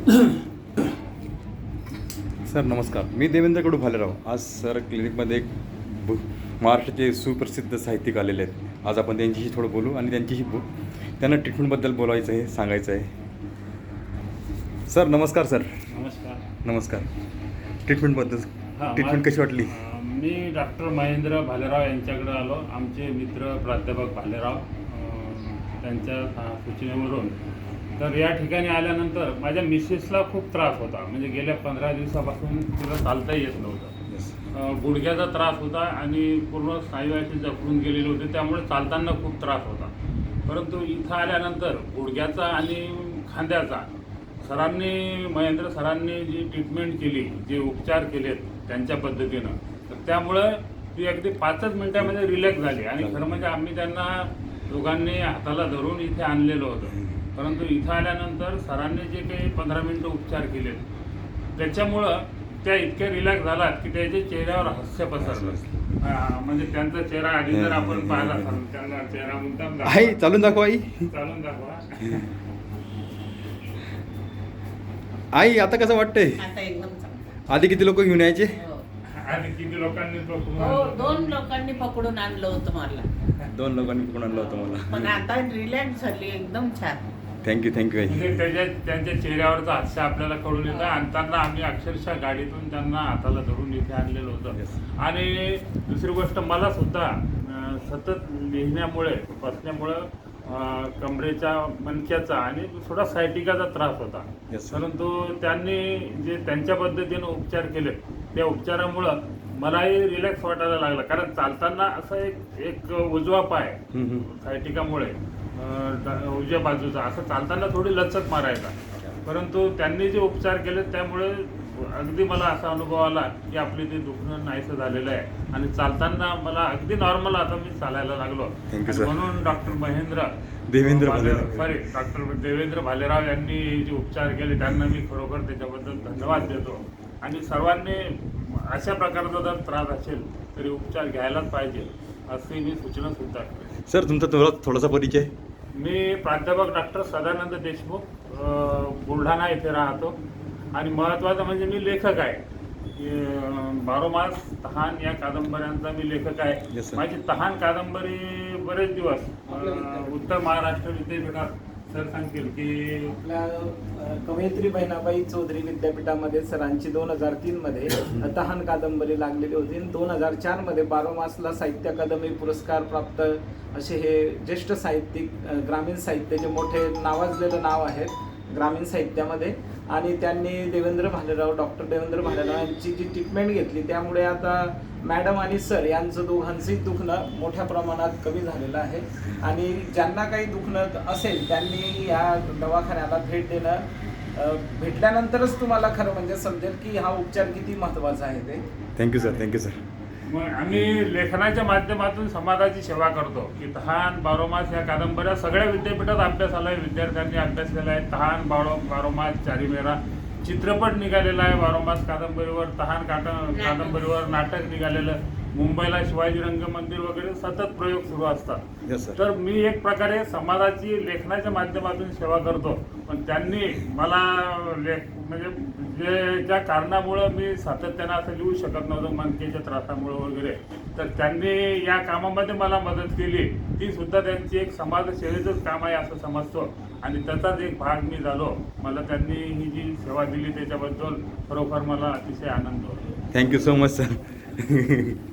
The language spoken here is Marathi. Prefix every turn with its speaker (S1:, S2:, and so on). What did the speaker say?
S1: सर नमस्कार, मी देवेंद्र कडू भालेराव. आज सर क्लिनिकमध्ये एक महाराष्ट्राचे सुप्रसिद्ध साहित्यिक आलेले आहेत. आज आपण त्यांच्याशी थोडं बोलू आणि त्यांच्याशी त्यांना ट्रीटमेंटबद्दल बोलायचं आहे, सांगायचं आहे. सर नमस्कार. सर
S2: नमस्कार.
S1: नमस्कार. ट्रीटमेंटबद्दल ट्रीटमेंट कशी वाटली?
S2: मी डॉक्टर महेंद्र भालेराव यांच्याकडे आलो. आमचे मित्र प्राध्यापक भालेराव त्यांच्या सूचनेवरून. तर या ठिकाणी आल्यानंतर माझ्या मिसेसला खूप त्रास होता. म्हणजे गेल्या 15 दिवसापासून तिला चालता येत नव्हतं. गुडघ्याचा त्रास होता आणि पूर्ण स्नायू असे जखडून गेलेले होते, त्यामुळे चालताना खूप त्रास होता. परंतु इथं आल्यानंतर गुडघ्याचा आणि खांद्याचा महेंद्र सरांनी जी ट्रीटमेंट केली, जे उपचार केलेत त्यांच्या पद्धतीनं, तर त्यामुळं ती अगदी 5च मिनिटामध्ये रिलॅक्स झाली. आणि खरं म्हणजे आम्ही त्यांना दोघांनी हाताला धरून इथे आणलेलं होतं. परंतु इथं आल्यानंतर सरांनी जे काही 15 मिनिटं उपचार केलेत, त्याच्यामुळं त्या इतक्या रिलॅक्स झालात की त्याच्या चेहऱ्यावर हास्य पसरलं. म्हणजे त्यांचा चेहरा आधी जर आपण पाहिला असाल, त्यांना चेहरा मुद्दाम
S1: आई चालून दाखवा.
S2: चालून दाखवा.
S1: आई आता कसं वाटतंय?
S3: आता एकदम चांगलं.
S1: आधी किती लोक घेऊन यायचे?
S2: आणि किती लोकांनी
S3: हो, 2 लोकांनी पकडून आणलं होतं मला.
S1: 2 लोकांनी पकडून आणलं होतं मला.
S3: पण आता रिलॅक्स झाली, एकदम छान.
S1: थँक्यू आई.
S2: म्हणजे त्यांच्या चेहऱ्यावरचं हास्य आपल्याला कळून येतं. आणताना आम्ही अक्षरशः गाडीतून त्यांना हाताला धरून इथे आणलेलं होतं. आणि दुसरी गोष्ट, मला सुद्धा सतत लिहिण्यामुळे, बसण्यामुळं कमरेच्या, मणक्याचा आणि थोडा सायटिकाचा त्रास होता. परंतु त्यांनी जे त्यांच्या पद्धतीनं उपचार केले, त्या उपचारामुळं मलाही रिलॅक्स वाटायला लागला. कारण चालताना असं एक उजवा पाय सायटिकामुळे उजव्या बाजूचा असं चालताना थोडी लचक मारायचा. परंतु त्यांनी जे उपचार केले त्यामुळे अगदी मला असा अनुभव आला की आपले ते दुखणं नाहीसं झालेलं आहे आणि चालताना मला अगदी नॉर्मल आता मी चालायला लागलो. म्हणून डॉक्टर देवेंद्र भालेराव यांनी जे उपचार केले त्यांना मी खरोखर त्याच्याबद्दल धन्यवाद देतो. आणि सर्वांनी अशा प्रकारचा जर त्रास असेल तरी उपचार घ्यायलाच पाहिजे अशी मी सूचना सुद्धा करते.
S1: सर तुमचा थोडासा परिचय?
S2: मी प्राध्यापक डॉक्टर सदानंद देशमुख, बुलढाणा येथे राहतो. आणि महत्त्वाचं म्हणजे मी लेखक आहे. 12 मास, तहान या कादंबऱ्यांचा मी लेखक आहे. माझी तहान कादंबरी बरेच दिवस उत्तर महाराष्ट्र विद्यापीठात सर सांगतील की
S4: आपल्या कवयित्री बहिणाबाई चौधरी विद्यापीठामध्ये सरांची 2003 मध्ये तहान कादंबरी लागलेली होती. 2004 मध्ये 12 मासला साहित्य अकादमी पुरस्कार प्राप्त असे हे ज्येष्ठ साहित्यिक, ग्रामीण साहित्याचे मोठे नावाजलेलं नाव आहे ग्रामीण साहित्यामध्ये. आणि त्यांनी डॉक्टर देवेंद्र भालेराव यांची जी ट्रीटमेंट घेतली, त्यामुळे आता मॅडम आणि सर यांचं दोघांचंही दुखणं मोठ्या प्रमाणात कमी झालेलं आहे. आणि ज्यांना काही दुखणं असेल त्यांनी या दवाखान्याला भेट देणं, भेटल्यानंतरच तुम्हाला खरं म्हणजे समजेल की हा उपचार किती महत्त्वाचा आहे ते.
S1: Thank you sir.
S2: मग आम्ही लेखनाच्या माध्यमातून समाजाची सेवा करतो की तहान, 12 मास या कादंबऱ्या सगळ्या विद्यापीठात अभ्यास आला आहे, विद्यार्थ्यांनी अभ्यास केला आहे. तहान, 12 मास, चारी मेरा चित्रपट निघालेला आहे. 12 मास कादंबरीवर, तहान कादंबरीवर नाटक निघालेलं. मुंबईला शिवाजी रंगमंदिर वगैरे सतत प्रयोग सुरू असतात. तर मी एक प्रकारे समाजाची लेखनाच्या माध्यमातून सेवा करतो. पण त्यांनी मला म्हणजे ज्या कारणामुळं मी सातत्यानं असं लिहू शकत नव्हतं, मणकेच्या त्रासामुळं वगैरे, तर त्यांनी या कामामध्ये मला मदत केली. ती सुद्धा त्यांची एक समाजसेवेचंच काम आहे असं समजतो आणि त्याचाच एक भाग मी झालो. मला त्यांनी ही जी सेवा दिली त्याच्याबद्दल खरोखर मला अतिशय आनंद होतो.
S1: Thank you so much sir.